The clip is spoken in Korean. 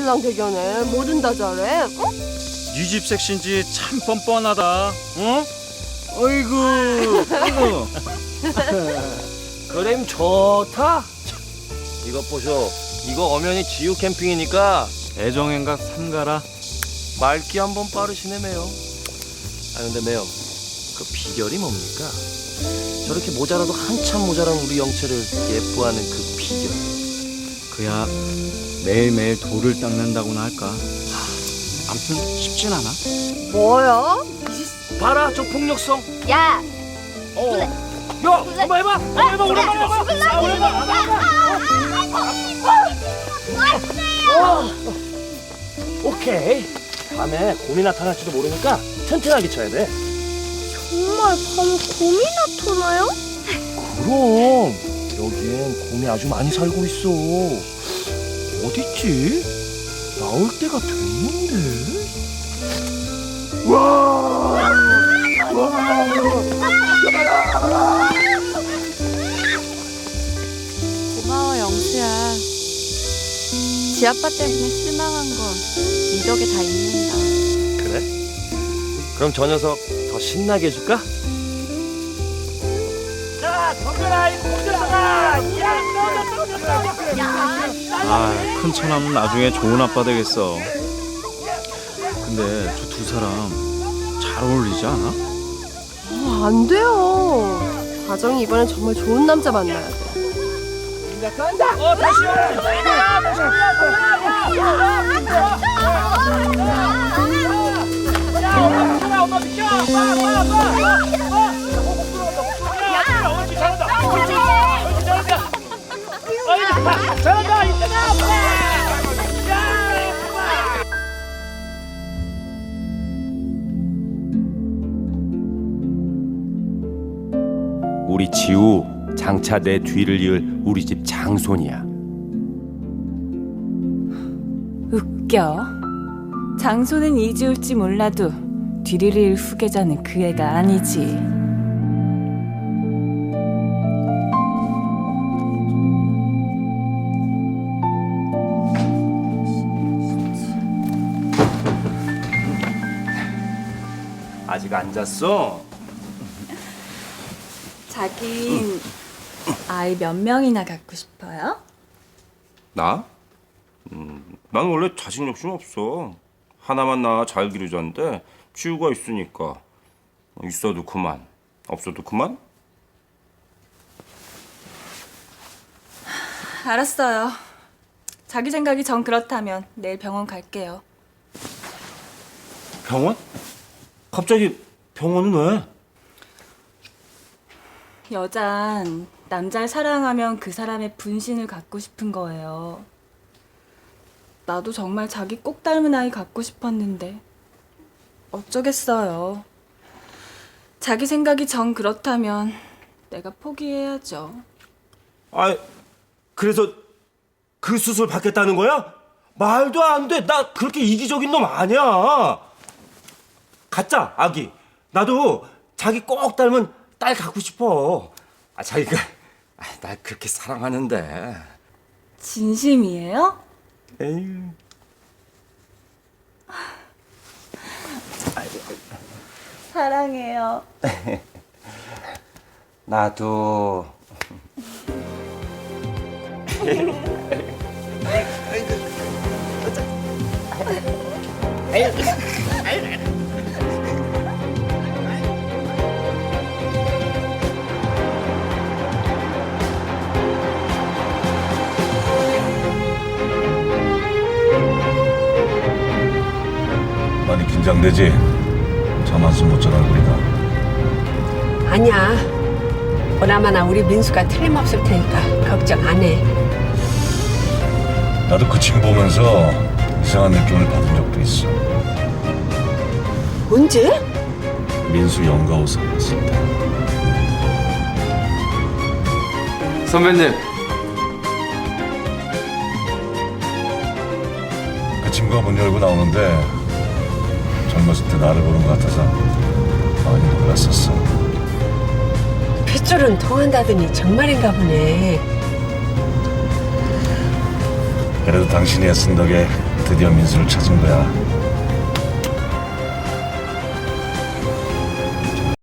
신랑 대견해. 뭐든 다 잘해. 어? 네 집 섹시인지 참 뻔뻔하다. 어? 어이구, 어이구. 그램 좋다. 이것 보쇼. 이거 엄연히 지우 캠핑이니까 애정행각 삼가라. 말기 한번 빠르시네 매요. 아 근데 매요, 그 비결이 뭡니까? 저렇게 모자라도 한참 모자란 우리 영채를 예뻐하는 그 비결. 그야 매일매일 돌을 닦는다고나 할까. 아무튼 쉽진 않아. 뭐야? 봐라 저 폭력성. 야! 야 한번 해봐. 한번 해봐. 오랜만에. 오케이. 밤에 곰이 나타날지도 모르니까 튼튼하게 쳐야 돼. 정말 밤 곰이 나타나요? 그럼 여기엔 곰이 아주 많이 살고 있어. 어딨지? 나올 때가 됐는데. 와! 고마워 영수야. 지 아빠 때문에 실망한 건 네 덕에 다 있는다. 그래? 그럼 저 녀석 더 신나게 해줄까? 자, 덤벼라 이 곰들아! 아, 큰 처남은 나중에 좋은 아빠 되겠어. 근데 저 두 사람 잘 어울리지 않아? 안 돼요. 가정이 이번엔 정말 좋은 남자 만나야 돼. 다시 엄마 비켜! 잘한다! 우리 지우 장차 내 뒤를 이을 우리 집 장손이야. 웃겨. 장소는 이지울지 몰라도 뒤를 이을 후계자는 그 애가 아니지. 아직 안 잤어? 자긴 아이 몇 명이나 갖고 싶어요? 나? 난 원래 자식 욕심 없어. 하나만 낳아 잘 기르자는데 지우가 있으니까. 있어도 그만, 없어도 그만? 알았어요. 자기 생각이 정 그렇다면 내일 병원 갈게요. 병원? 갑자기 병원은 왜? 여잔 남자를 사랑하면 그 사람의 분신을 갖고 싶은 거예요. 나도 정말 자기 꼭 닮은 아이 갖고 싶었는데 어쩌겠어요. 자기 생각이 정 그렇다면 내가 포기해야죠. 아, 그래서 그 수술 받겠다는 거야? 말도 안 돼. 나 그렇게 이기적인 놈 아니야. 가짜 아기. 나도 자기 꼭 닮은 딸 갖고 싶어. 자기가 날 그렇게 사랑하는데. 진심이에요? 에휴. 사랑해요. 나도. 많이 긴장되지? 잠 한숨 못 자는 얼굴이다. 아니야. 보나마나 우리 민수가 틀림없을 테니까 걱정 안 해. 나도 그 침 보면서 이상한 느낌을 받은 적도 있어. 언제? 민수 영가 옷 사였을 때. 선배님, 그 친구가 문 열고 나오는데 젊었을 때 나를 보는 것 같아서 많이 놀랐었어. 핏줄은 통한다더니 정말인가 보네. 그래도 당신이 애쓴 덕에 드디어 민수를 찾은 거야.